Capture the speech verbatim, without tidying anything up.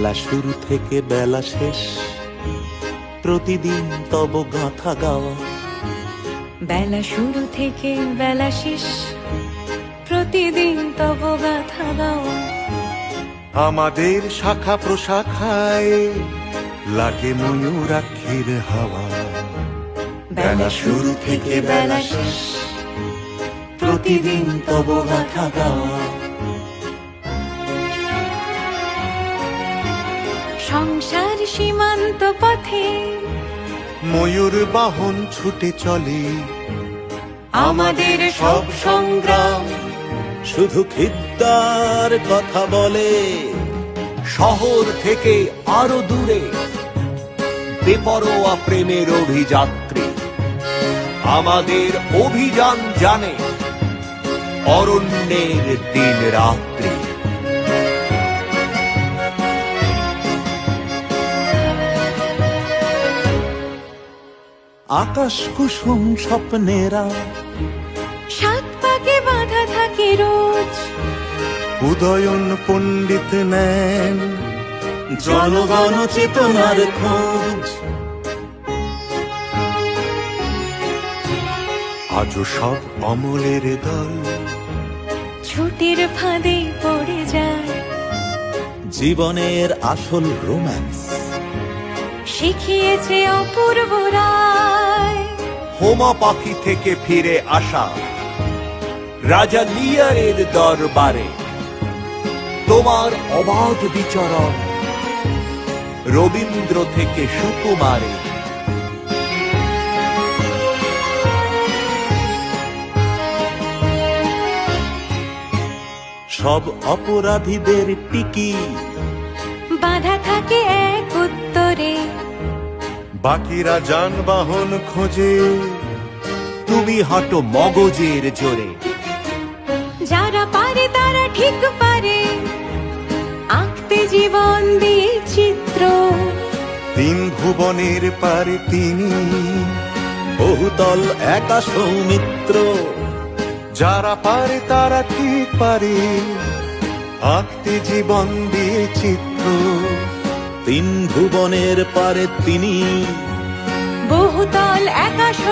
বেলা শুরু থেকে বেলা শেষ, প্রতিদিন তব গাথা গাওয়া। বেলা শুরু থেকে বেলা শেষ, প্রতিদিন তব গাথা গাওয়া। আমাদের শাখা প্রশাখায় লাগে ময়ূরাক্ষীর হাওয়া। বেলা শুরু থেকে বেলা শেষ, প্রতিদিন তব গাথা গাওয়া। সংসার সীমান্ত পথে ময়ূর বাহন ছুটে চলে, আমাদের সব সংগ্রাম শুধু খিদ্দার কথা বলে। শহর থেকে আরো দূরে বেপরোয়া প্রেমের অভিযাত্রী, আমাদের অভিযান জানে অরণ্যের দিন রাত্রি। আকাশ কুসুম স্বপ্নেরা সাত পাকে বাঁধা থাকে রোজ। উদয়ন পণ্ডিত নেন জনগণ চেতনার খোঁজ। আজও সব অমলের দল ছুটির ফাঁদে পড়ে যায়, জীবনের আসল রোম্যান্স শিখিয়েছে অপূর্ব রায়। হোমা পাখি থেকে ফিরে আসা রাজা লিয়ারের দরবারে তোমার অবাধ বিচরণ রবীন্দ্র থেকে সুকুমারে। সব অপরাধীদের টিকি বাঁধা থাকে এক উত্তরে, বাকিরা যানবাহন খোঁজে। তুমি হাঁটো মগজের জোরে, যারা পারে তারা ঠিক পারে আঁকতে জীবন দিয়ে চিত্র। তিন ভুবনের পারে তিনি বহুতল একা সৌমিত্র। যারা পারে তারা ঠিক পারে আঁকতে জীবন দিয়ে চিত্র। তিন ভুবনের পারে তিনি বহুতল একা